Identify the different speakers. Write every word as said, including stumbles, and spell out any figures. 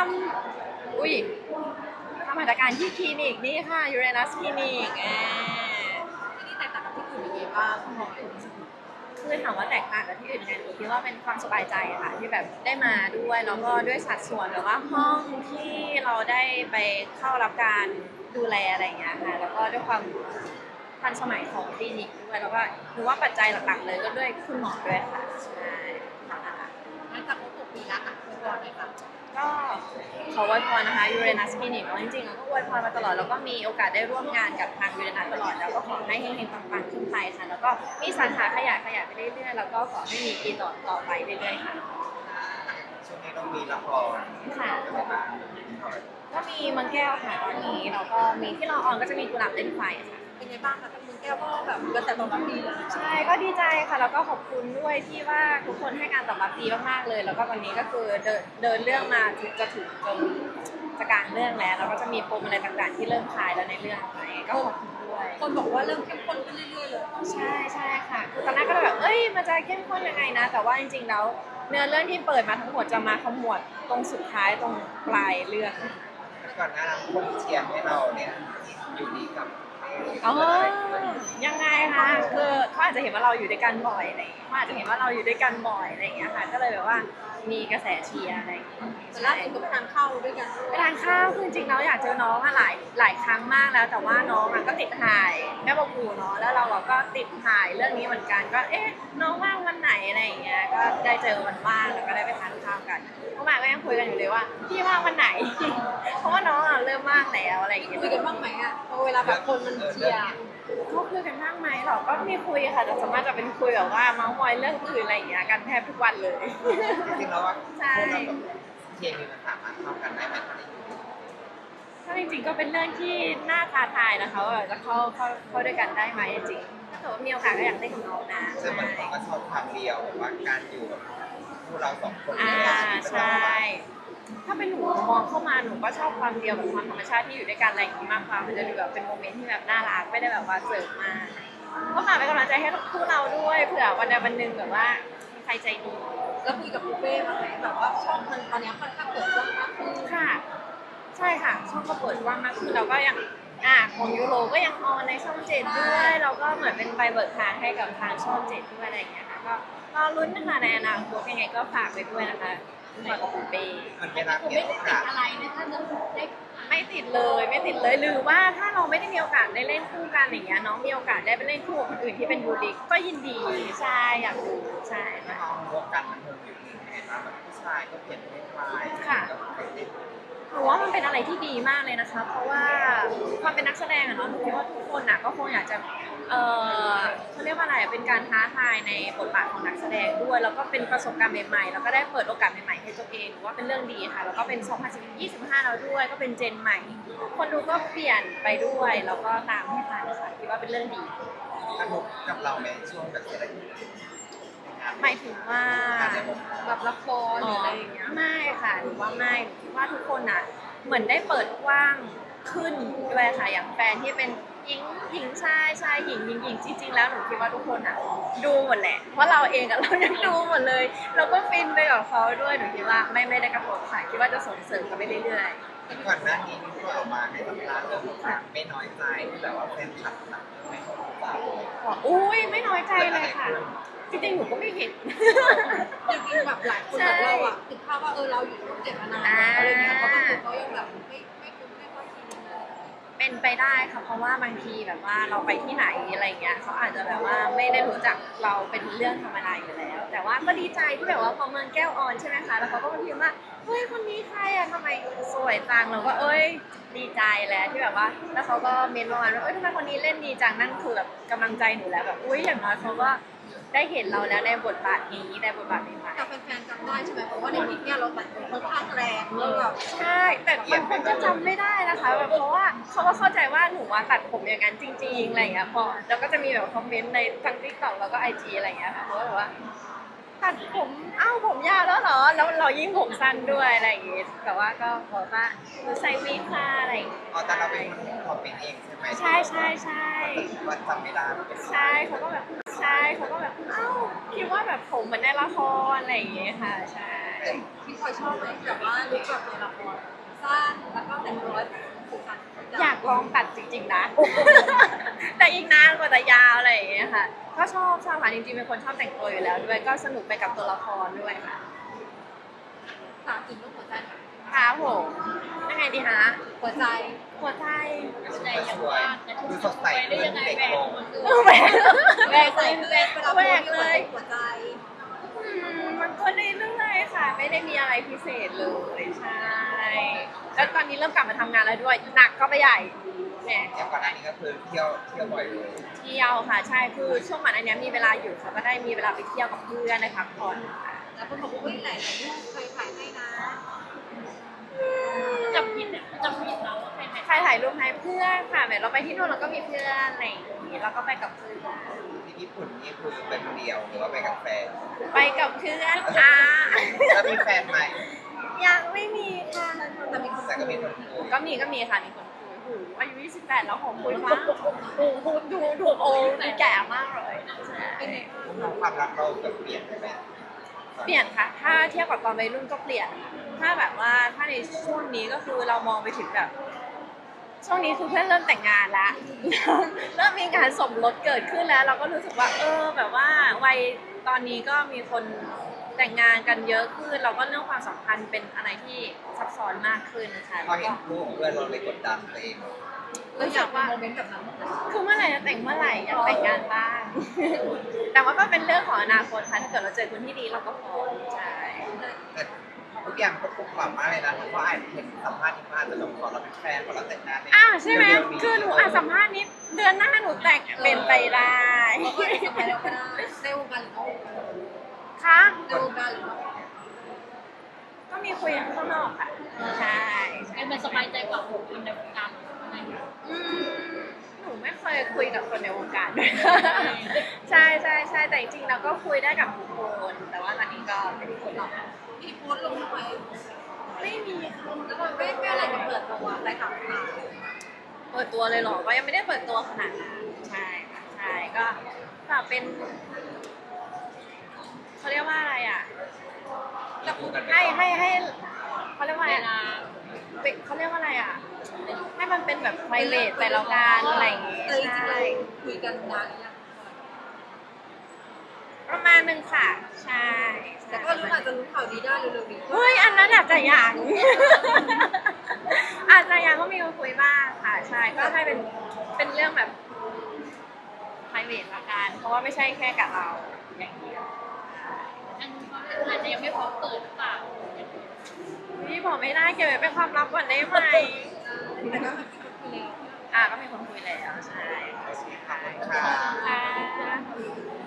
Speaker 1: ำอุ้ยทำหัตถการที่คลินิกนี่ค่ะยูเรนัสคลินิกอ่า
Speaker 2: ที่นี่แตกต่างกับที่อื่นยังไงบ้างคุณหมอ
Speaker 1: คือถามว่าแตกต่างกับที่อื่นยังไงหนูคิดว่าเป็นความสบายใจค่ะที่แบบได้มาด้วยแล้วก็ด้วยสัดส่วนหรือว่าห้องที่เราได้ไปเข้ารับการดูแลอะไรอย่างเงี้ยค่ะแล้วก็ด้วยความทันสมัยของคลินิกด้วยแล้วก็หนูว่าปัจจัยหลักๆเลยก็ด้วยคุณหมอด้วยค่ะใช่ค่ะ
Speaker 2: หลังจากครบหกปีแล้วอ่ะคุณหมอเลยค่ะ
Speaker 1: ก็ขออวยพรนะคะยูเรนัสคลินิกจริงๆเราก็อวยพรมาตลอดแล้วก็มีโอกาสได้ร่วมงานกับทางยูเรนัสตลอดแล้วก็ขอให้เฮงๆปังๆขึ้นไปค่ะแล้วก็มีสาขาขยายขยายไปเรื่อยๆแล้วก็ขอให้มีปีต่อต่อไปเรื่อยๆค่ะ
Speaker 3: ช่วงนี้ต้องมีละคร
Speaker 1: ค่ะ
Speaker 3: อะไรบ้าง
Speaker 1: ก็มีมังแก้วค่ะตอนนี้แล้วก็มีที่เราออนก็จะมีกุหลาบเล่นไฟค่ะ
Speaker 2: เป็นไงบ้างคะกับมือแก้วก็แบบกระแสตอบรับดีเลย
Speaker 1: ใช่ก็ดีใจค่ะแล้วก็ขอบคุณด้วยที่ว่าทุกคนให้การตอบรับดีมากๆเลยแล้วก็วันนี้ก็คือเดินเดินเรื่องมาถึงจะถึงจนจะกลางเรื่องแล้วแล้วก็จะมีปมอะไรต่างๆที่เริ่มคลายแล้วในเรื่องไปก็ขอบคุณด้วย
Speaker 2: คนบอกว่าเริ่มเข้มข้นขึ้นเรื่อยๆเลย
Speaker 1: ใช่ใช่ค่ะคือตอนแรกก็แบบเอ้ยมันจะเข้มข้นยังไงนะแต่ว่าจริงๆแล้วเนื้อเรื่องที่เปิดมาทั้งหมดจะมาขมวดตรงสุดท้ายตรงปลายเรื่อง
Speaker 3: ก่อนหน้านั้นคนเชียร์ให้เราเนี่ยอยู่ดีกับ
Speaker 1: อ๋อยังไงคะคือเขาอาจจะเห็นว่าเราอยู่ด้วยกันบ่อยอะไรอย่างเงี้ยเขาอาจจะเห็นว่าเราอยู่ด้วยกันบ่อยอะไรอย่างเงี้ยค่ะก็เลยแบบว่ามีกระแสเชียร์อะไรอย่างเงี้ย
Speaker 2: แต่ล่าสุดก็ไปทานข้าวด้วยกัน
Speaker 1: ไปทานข้าวคือจริงๆเราอยากเจอน้องอะหลายหลายครั้งมากแล้วแต่ว่าน้องอะก็ติดถ่ายแม่บอกกูเนาะแล้วเราอะก็ติดถ่ายเรื่องนี้เหมือนกันก็เอ๊ะน้องว่างวันไหนอะไรอย่างเงี้ยก็ได้เจอวันว่างแล้วก็ได้ไปทานข้าวกันเมื่อวานก็ยังคุยกันอยู่เลยว่าพี่ว่างวันไหน เพราะว่าน้องอะเริ่มว่างแล้วอะไรอย่างเงี้ย
Speaker 2: คุยกันบ้างไหมอ่ะพอเวลาแบบคนมันเชียร์
Speaker 1: เขาคุยกันบ้างไหมหรอก็มีคุยค่ะแต่ส่วนมากจะเป็นคุยแบบว่าเมาส์มอยเรื่องอื่นอะไรอย่างเงี้ยกันแทบทุกวันเลย
Speaker 3: จริงๆแล้วว่า
Speaker 1: ใช่
Speaker 3: คนเรากับเคมีมันสามารถเข้ากันได้ไหมคะ
Speaker 1: ถ้าจริงๆก็เป็นเรื่องที่น่าท้าทายนะคะว่าจะเข้าเข้าเข้าด้วยกันได้ไหมจริงๆถ้าเกิดว่ามีโอกาสก็อยากเล่นกับน้องนะ
Speaker 3: ซึ่งบางคนก็ชอบความเดียวว่าการอยู่กับคู่เราสองคน
Speaker 1: อ่าใช่ ถ้าเป็นหนูมองเข้ามาหนูก็ชอบความเดียวกับความธรรมชาติที่อยู่ด้วยกันอะไรอย่างนี้มากกว่ามันจะดูแบบเป็นโมเมนต์ที่แบบน่ารักไม่ได้แบบว่าเสิร์ฟมาก็ฝากเป็นกำลังใจให้คู่เราด้วยเผื่อวันใดวันหนึ่งแบบว่ามีใครใจดี
Speaker 2: แล้วคุยกับปูเป้บ้างไหมแบบว่าช่องมันตอนนี้ค่อนข้างเปิดกว้างมากขึ้น
Speaker 1: ค่ะใช่ค่ะช่องก็เปิดกว้างมากขึ้นเราก็ยังอ่าของยูโรก็ยังออนในช่องเจ็ดด้วยเราก็เหมือนเป็นใบเบิกทางให้กับทางช่องเจ็ดด้วยอะไรอย่างเงี้ยค่ะก็รอลุ้นนะคะในอนาคตยังไงก็ฝากไปด้วยนะคะฝากกับปูเป้
Speaker 3: มันไม่รัก
Speaker 2: ผม
Speaker 3: เนี่
Speaker 2: ไม่ได้ติดอะไรนะถ้าจะได้
Speaker 1: ไม่ติดเลยไม่ติดเลยหรือว่าถ้าเราไม่ได้มีโอกาสได้เล่นคู่กันอย่างเงี้ยน้องมีโอกาสได้ไปเล่นคู่กับคนอื่นที่เป็นบูลลี่ก็ยินดีใช่อยากดูใช่
Speaker 3: ถ้ามองวงการบันเทิงอยู่นี่เห็นว่าแบบผู้ชายก็เปลี่ยนเพศวายกับใครเล่น
Speaker 1: หนูว่ามันเป็นอะไรที่ดีมากเลยนะคะเพราะว่าความเป็นนักแสดงอะเนาะหนูคิดว่าทุกคนอะก็คงอยากจะเออเขาเรียกว่าอะไรเป็นการท้าทายในบทบาทของนักแสดงด้วยแล้วก็เป็นประสบการณ์ใหม่ๆแล้วก็ได้เปิดโอกาสใหม่ๆให้ตัวเองหนูว่าเป็นเรื่องดีค่ะแล้วก็เป็นสองพันยี่สิบห้าแล้วด้วยก็เป็นเจนใหม่คนดูก็เปลี่ยนไปด้วยแล้วก็ตามให้ทันค่ะคิดว่าเป็นเรื่องดี
Speaker 3: กระทบกับเราในช่วงแบบเศรษฐกิจ
Speaker 1: หมายถึงว่า
Speaker 2: แบบละครหรืออะไรอย่างเงี้ย
Speaker 1: ไม่ค่ะหรือว่าไม่หนูคิดว่าทุกคนอ่ะเหมือนได้เปิดกว้างขึ้นด้วยค่ะอย่างแฟนที่เป็นหญิงหญิงชายชายหญิงหญิงหญิงจริงๆแล้วหนูคิดว่าทุกคนอ่ะดูหมดแหละเพราะเราเองกับเรายังดูหมดเลยเราก็ฟินไปกับเขาด้วยหนูคิดว่าไม่ไม่ได้กระทบค่ะคิดว่าจะส่งเสริมกันไปเรื่อย
Speaker 3: ๆก่อนหน้านี้ที่ออกมาในตำราเรื่องของไม่น้อยใจที่แบบว่าแฟนคลับหนักไม่ขอฝากเลย
Speaker 1: อุ้ยไม่น้อยใจเลยค่ะจริงๆหนูก็ไม่เห็น
Speaker 2: จริงๆแบบหลายคนแบบเราอะติดภาพว่าเออเราอยู่ช่องเจ็ดมานานอะไรเงี้ยเพราะบางคนเขายังแบบไม่ไม่คุ้นไม่ค่อยชิน
Speaker 1: เป็นไปได้ค่ะเพราะว่าบางทีแบบว่าเราไปที่ไหนอะไรเงี้ยเขาอาจจะแบบว่าไม่ได้รู้จักเราเป็นเรื่องธรรมดาอยู่แล้ว แต่ว่าก็ดีใจที่แบบว่าพอเมืองแก้วออนใช่ไหมคะแล้วเขาก็มาพิมพ์ว่าเฮ้ยคนนี้ใครอะทำไมสวยจังเราก็เอ้ยดีใจแล้วที่แบบว่าแล้วเขาก็เมนต์ประมาณว่าเอ้ยทำไมคนนี้เล่นดีจังนั่นคือแบบกำลังใจหนูแล้วแบบอุ้ยอย่างน้อยเขาก็ได้เห็นเราแล้วในบทบาทนี้ในบทบาทใหม่
Speaker 2: ๆแต่แฟนๆจำได้ใช่ไหมเพราะว่าในคลิปเนี่ยเราตัดค่อนข้างแรงแล้วแบบ
Speaker 1: ใช่แต่บางคนก็จำไม่ได้นะคะแบบเพราะว่าเขาก็เข้าใจว่าหนูว่าตัดผมอย่างนั้นจริงๆอะไรอย่างเงี้ยพอแล้วก็จะมีแบบคอมเมนต์ในทั้ง ติ๊กต็อก แล้วก็ ไอ จี อะไรอย่างเงี้ยค่ะเขาก็แบบว่าตัดผมเอ้าผมยาวแล้วเหรอแล้วเรายิ่งผมสั้นด้วยอะไรอย่างเงี้ยแต่ว่าก็บอกว่าหนูใส่วิกค่ะอะไรอย่างเงี้ย
Speaker 3: อ๋อแต่เราเป็นคนคอมเมนต์เองใช่ไหม
Speaker 1: ใช่ใช่ใช่
Speaker 3: ว่าจำไม่ได้
Speaker 1: ใช่เขาก็แบบใช่เขาก็แบบเอ้าคิดว่าแบบผมเหมือนในละครอะไรอย่างเงี้ยค่ะใช่
Speaker 2: พี่พลอยชอบไหมแบบว่าลุคแบบในละคร
Speaker 1: ลองตัดจริงๆนะ แต่อีกนานกว่าจะยาวอะไรอย่างเงี้ยค่ะ ก็ชอบชอบค่ะจริงๆเป็นคนชอบแต่งตัวอยู่แล้วด้วยก็สนุกไปกับตัวละครด้วยค่ะ
Speaker 2: ถามถึงเรื่องหัวใจหน่อย
Speaker 1: ครับผมยังไงดีคะ
Speaker 2: หัวใจ
Speaker 1: หัวใจ
Speaker 2: ใจ
Speaker 3: ก็
Speaker 2: ยัง
Speaker 3: สวย
Speaker 2: ว่าง
Speaker 3: ดูสดใสขึ้นเด็กลง
Speaker 1: เออแหวก
Speaker 2: แหวกใส่แหวกเวลา
Speaker 1: แหวกเลย
Speaker 2: หัวใจ
Speaker 1: อืมมันก็เรื่อยๆค่ะ ไม่ได้มีอะไรพิเศษเลยใช่ แล้วตอนนี้เริ่มกลับมาทำงานแล้วด้วยหนักก็ไปใหญ่เนี่ย
Speaker 3: อย่างก่อนหน้านี้ก็คือเที่ยวเที่ยวบ่อยเลย
Speaker 1: เที่ยวค่ะใช่คือช่วงก่อนอันเนี้ยมีเวลาอยู่ค่ะก็ได้มีเวลาไปเที่ยวกับเพื่อนได้พักผ่อนค่ะ
Speaker 2: แล้วคนบอกว่าเฮ้ยไหนไหนรูปใครถ่ายให้นะ
Speaker 4: จำผิดเนี่ยจำผิดเราว่าใครถ่าย
Speaker 1: ใครถ่ายรูปให้เพื่อนค่ะแบบเราไปที่นู่นเราก็มีเพื่อนอะไรอย่างงี้เราก็ไปกับเพื่อน
Speaker 3: ที่ญี่ปุ่นนี่คือเป็นคนเดียวหรือว่าไปกับแฟน
Speaker 1: ไปกับเพื่อนค่ะ
Speaker 3: แล้วมีแฟนไหม
Speaker 1: ยังไม่มีค่ะ
Speaker 2: แต่มีคน
Speaker 3: แต่ก็มีคนคุย
Speaker 1: ก็มีก็มีค่ะมีคนคุยหูอายุยี่สิบแปดแล้วของคุยมากดูดูดูดูโอ้ดูแก่มากเลยใช่
Speaker 3: ความรักเราแบบเปลี่ยนไปไหม
Speaker 1: เปลี่ยนค่ะ ถ้าเทียบกับตอนวัยรุ่นก็เปลี่ยน ถ้าแบบว่าถ้าในช่วงนี้ก็คือเรามองไปถึงแบบ ช่วงนี้คือเพื่อนเริ่มแต่งงานแล้ว เริ่มมีงานสมรสเกิดขึ้นแล้ว เราก็รู้สึกว่า เออ แบบว่าวัยตอนนี้ก็มีคนแต่งงานกันเยอะขึ้น เราก็เรื่องความสัมพันธ์เป็นอะไรที่ซับซ้อนมากขึ้นค่ะ
Speaker 3: พอเห็นรูปของเพื่อนเราเลยกดดันตัวเอง
Speaker 2: เราอยากมีโมเมนต์กับนั้น
Speaker 1: คือเมื่อไหร่จะแต่งเมื่อไหร่อยากแต่งงานบ้าง แต่ว่าก็เป็นเรื่องของอนาคตค่ะถ้าเกิดเราเจอคนที่ดีเราก็พร้อมใช่
Speaker 3: แต่ทุกอย่างก็ปลุกปรับมากเลยนะเพราะว่าอ่านเห็นสัมภาษณ์ที่มาจะลงขอเราเป็นแฟนขอเราแต่งงานใน
Speaker 1: อ้าวใช่ไหม
Speaker 3: เร็วๆนี้
Speaker 1: คือหนูอ่านสัมภาษณ์นี้เดือนหน้าหนูแต่งเป็นไปได้
Speaker 2: เราก็สมัยเราก็ได้ในวงการหรือนอกวงการ
Speaker 1: ค่ะ
Speaker 2: ในวงการหรือนอกวงการ
Speaker 1: ก็มีคุยข้างนอกค่ะ ใช่
Speaker 4: ไอ้มันสบายใจกว่าคนในวงการอะไรอย่างเงี้ย
Speaker 1: อืมหนูไม่เคยคุยกับคนในวงการด้วย ใช่ใช่ใช่แต่จริงๆเราก็คุยได้กับทุกคน แต่ว่าตอนนี้ก็ไม่ได้คุยหรอก
Speaker 2: มีโพสต์ลงทำไม
Speaker 1: ไม่มีค่ะ
Speaker 2: แล้วมันไม่ไม่อะไรจะเปิดตัวอะไรถามมา
Speaker 1: เปิดตัวเลยเหรอก็ยังไม่ได้เปิดตัวขนาดนั้นใช่ค่ะใช่ก็ก็เป็นเขาเรียกว่าอะไรอ่ะ
Speaker 3: จะพูดกัน
Speaker 1: ให้ให้ให้เขาเรียกว่าอะไร
Speaker 4: เวลา
Speaker 1: อะเป็นเขาเรียกว่าอะไรอ่ะ ให้มันเป็นแบบ private ไปแล้วกันอะไรอย่างงี้
Speaker 2: เออจริงๆ
Speaker 1: ใช่
Speaker 2: เราคุยกันนานหรือยัง
Speaker 1: ประมาณหนึ่งค่ะ ใช่ใช่
Speaker 2: แต่ก็รู้อาจจะรู้ข่าวดีได้เร็วๆนี้
Speaker 1: เฮ้ยอันนั้นอาจจะยัง อาจจะยังก็มีคนคุยบ้างค่ะ ใช่ก็ให้เป็นเป็นเรื่องแบบ private ละกันเพราะว่าไม่ใช่แค่กับเราอย่างเดียว
Speaker 4: อันนี้เขาอาจจะยังไม่พร้อมเปิดหรือเปล่า
Speaker 1: พี่บอกไม่ได้เก็บไว้เป็นความลับก่อนได้ไหม
Speaker 2: แต่ก็มีคนคุยแล้ว
Speaker 1: อ่าก็มีคนคุยแล้วใช่
Speaker 3: ขอบคุณค่ะ
Speaker 1: ค่ะ